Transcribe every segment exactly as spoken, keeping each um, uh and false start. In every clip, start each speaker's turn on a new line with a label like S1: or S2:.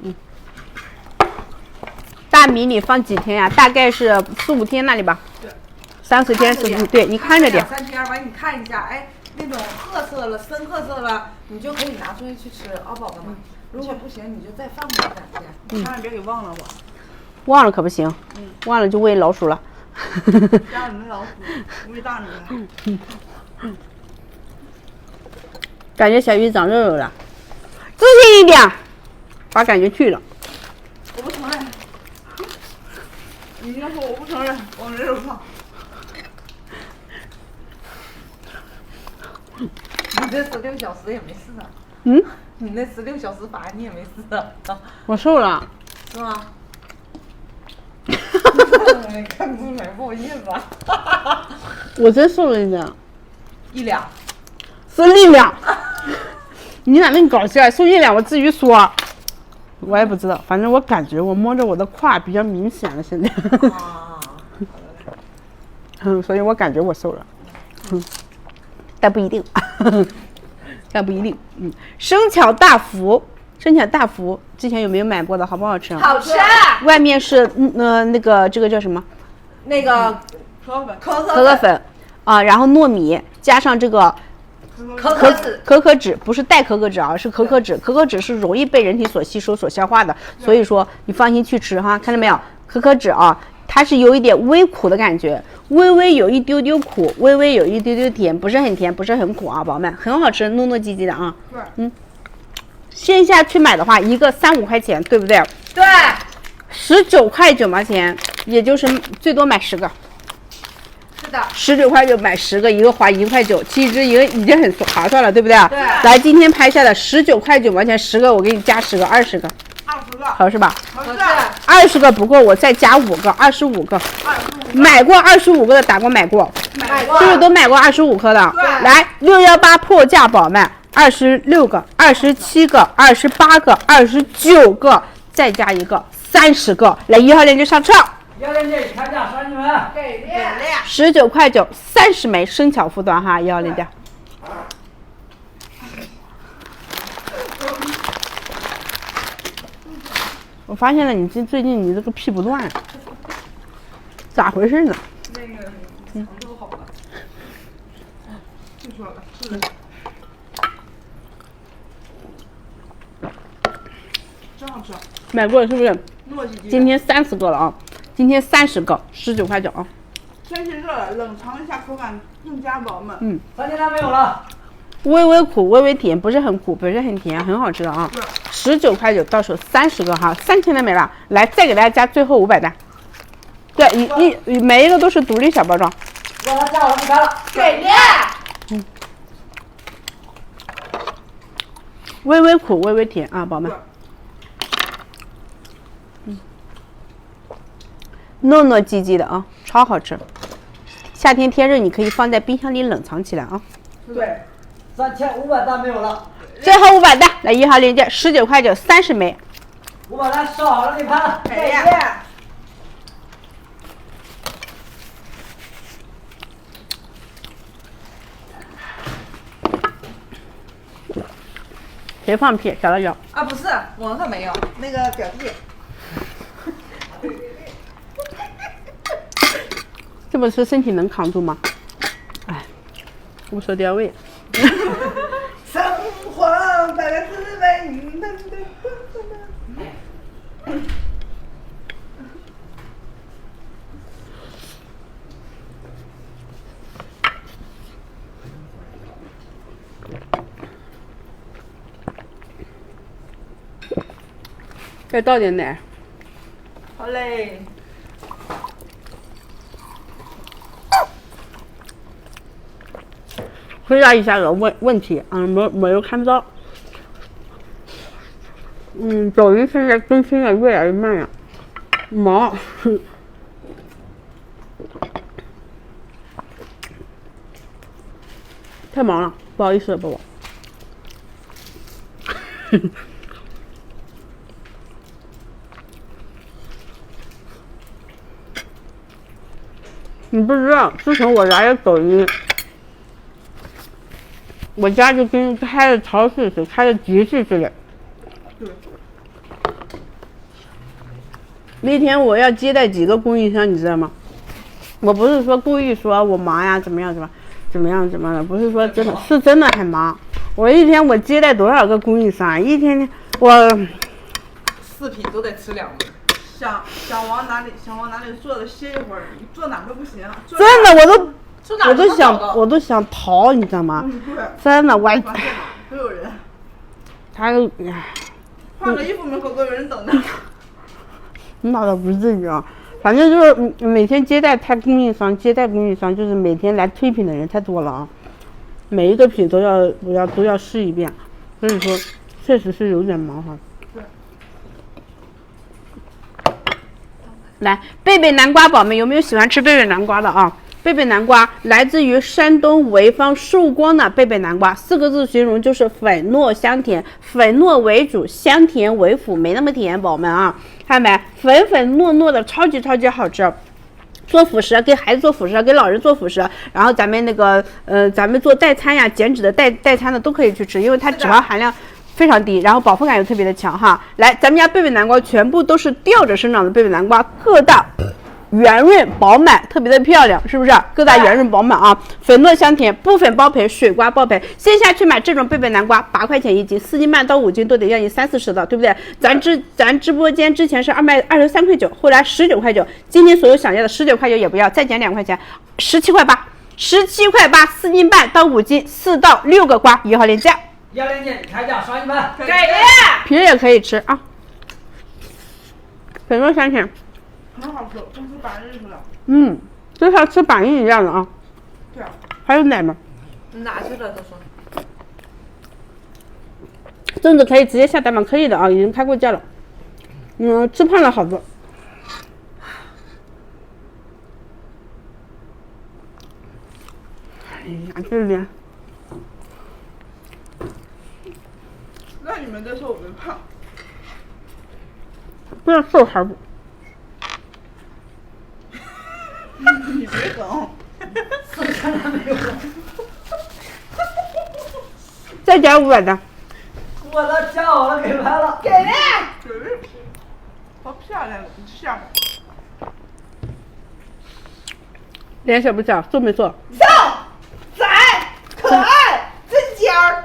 S1: 嗯。大米你放几天呀、啊？大概是四五天那里吧。
S2: 对。
S1: 三四天四五，对你看着点。
S2: 两三天完你看一下，哎，那种褐色了、深褐色了，你就可以拿出去去吃，熬饱了嘛。如果不行，你就再放个两天，
S1: 嗯、
S2: 千万别给忘了我。
S1: 忘了可不行，嗯、忘了就喂老鼠了。
S2: 家里的老鼠喂大米了。
S1: 嗯嗯、感觉小鱼长肉肉了，自信一点，把感觉去了。
S2: 我不承认。你应该说我不承认，我没有胖。你这十六小时也没事啊。
S1: 嗯？
S2: 你那十六小时法你也没事啊。
S1: 我瘦了。
S2: 是吗？你看不出来，不好意思啊。
S1: 我真瘦了一点。
S2: 一两。
S1: 瘦一两。你咋那么搞笑？瘦一两，我至于说。我也不知道，反正我感觉我摸着我的胯比较明显了，现在。
S2: 啊。
S1: 嗯，所以我感觉我瘦了。嗯。但不一定。但不一定。嗯。生巧大福，生巧大福之前有没有买过的？好不好吃？
S2: 好吃。
S1: 外面是嗯呃那个这个叫什么？
S2: 那个可可粉。可
S1: 可可粉啊，然后糯米加上这个。
S2: 可可脂，
S1: 可可脂不是代可可脂啊，是可可脂。可可脂是容易被人体所吸收、所消化的，所以说你放心去吃哈。看到没有？可可脂啊，它是有一点微苦的感觉，微微有一丢丢苦，微微有一丢丢甜，不是很甜，不是很苦啊，宝宝们，很好吃，糯糯叽叽的啊。
S2: 对，
S1: 嗯。线下去买的话，一个三五块钱，对不对？
S2: 对。
S1: 十九块九毛钱，也就是最多买十个。十九块九买十个，一个花一块九，其实一个已经很划算了，对不对？
S2: 对。
S1: 来，今天拍下的十九块九毛钱十个，我给你加十个，二十个。
S2: 二十个。
S1: 好是吧？
S2: 好是。
S1: 二十个不够，我再加五个，二十五个。
S2: 二十五。
S1: 买过二十五个的打过买过。
S2: 买过。
S1: 是不是都买过二十五颗的？
S2: 对。
S1: 来，六幺八破价宝们，二十六个，二十七个，二十八个，二十九个，再加一个，三十个。来，一号链接上车。
S3: 幺链接开价三十枚，
S2: 给力！
S1: 十九块九，三十枚生巧福短哈，幺链接。我发现了，你这最近你这个屁不断，咋回事呢？
S2: 那个肠都好了，就说了，是的，真好吃。
S1: 买过是不是？
S2: 糯叽叽。
S1: 今天三十个了啊！今天三十个，十九块九啊！
S2: 天气热了，冷藏一下，口感更加饱满。
S1: 嗯，
S3: 三斤单没有了。
S1: 微微苦，微微甜，不是很苦，不是很甜，很好吃的啊！十九块九，到手三十个哈，三千的没了。来，再给大家加最后五百单。对，一一每一个都是独立小包装。
S3: 让他加我不开了。
S2: 给力！
S1: 嗯。微微苦，微微甜啊，宝宝们。嗯。糯糯叽叽的啊，超好吃。夏天天热，你可以放在冰箱里冷藏起来啊。
S3: 对，三千五百单没有了。
S1: 最后五百单，来一号链接，十九块九，三十枚。
S3: 五百单烧好了，给盘。
S2: 给力！
S1: 谁放屁？小辣椒
S2: 啊，不是，我可没有，那个表弟。
S1: 这么吃身体能扛住吗？哎，无所调味。
S2: 生活带来滋味。
S1: 再倒点奶。
S2: 好嘞。
S1: 回答一下个问问题，嗯，没没有看到。嗯，抖音现在更新的越来越慢呀，忙。太忙了，不好意思，宝宝。你不知道，自从我来了抖音，我家就跟开了超市似的，开了极致似的。
S2: 对。
S1: 那天我要接待几个供应商，你知道吗？我不是说故意说我忙呀，怎么样怎么怎么样怎么的，不是说真的是真的很忙。我一天我接待多少个供应商，一天天我
S2: 四品都得吃两顿。想想往哪里想往哪里坐着歇一会儿，你坐哪都不行。
S1: 真的我都
S2: 坐哪
S1: 我都想我都想逃，你知道吗？
S2: 嗯，对。
S1: 真的我还
S2: 都有人。
S1: 他哎。
S2: 换个衣服门口都有人等着。
S1: 那倒不至于啊，反正就是每天接待他供应商，接待供应商就是每天来推品的人太多了啊，每一个品都要都要都要试一遍，所以说确实是有点麻烦。
S2: 对。
S1: 来，贝贝南瓜宝们有没有喜欢吃贝贝南瓜的啊？贝贝南瓜来自于山东潍坊寿光的贝贝南瓜，四个字形容就是粉糯香甜，粉糯为主，香甜为辅，没那么甜，宝们啊，看没？粉粉糯糯的，超级超级好吃。做辅食，给孩子做辅食，给老人做辅食，然后咱们那个呃，咱们做代餐呀、减脂的代代餐的都可以去吃，因为它脂肪含量非常低，然后饱腹感又特别的强哈。来，咱们家贝贝南瓜全部都是吊着生长的贝贝南瓜，个大。圆润饱满，特别的漂亮，是不是？个大圆润饱满啊，粉糯香甜，不粉包赔，水瓜包赔。线下去买这种贝贝南瓜，八块钱一斤，四斤半到五斤都得要你三四十的，对不对？咱直咱直播间之前是二卖二十三块九，后来十九块九，今天所有想要的十九块九也不要，再减两块钱，十七块八，十七块八，四斤半到五斤，四到六个瓜，一号链接。
S3: 幺链接开价刷一百，
S2: 给力！
S1: 皮也可以吃啊，粉糯香甜。
S2: 很好吃，跟吃板栗似的。
S1: 嗯，就像吃板栗一样的啊。
S2: 对啊。
S1: 还有奶吗？
S2: 哪去了？都说。
S1: 粽子可以直接下单吗？可以的啊，已经开过价了。嗯，吃胖了好多。哎呀，这脸。
S2: 那你们都说我们胖。
S1: 不知道瘦还是不。
S2: 你别梗，
S1: 再加五百的。
S3: 我都加好了，给拍了。
S2: 给力！给力！好漂亮，你下吧。
S1: 脸小不小？瘦没瘦？
S2: 瘦，窄，可爱，真尖儿。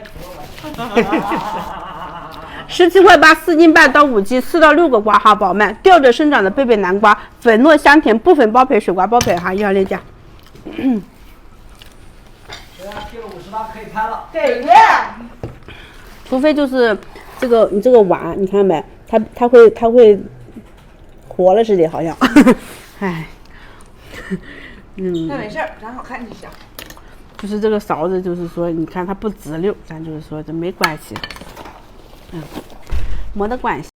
S1: 十七块八，四斤半到五斤，四到六个瓜哈，宝们，吊着生长的贝贝南瓜，粉糯香甜，不粉包赔，水瓜包赔哈，一号链接。
S3: 现在贴了五十八，可以拍了。
S2: 给力！
S1: 除非就是这个你这个碗，你看没？它它会它会活了似的，好像。唉，嗯。
S2: 那没事儿，咱好看就行。
S1: 就是这个勺子，就是说，你看它不直溜，咱就是说这没关系。嗯，没得关系。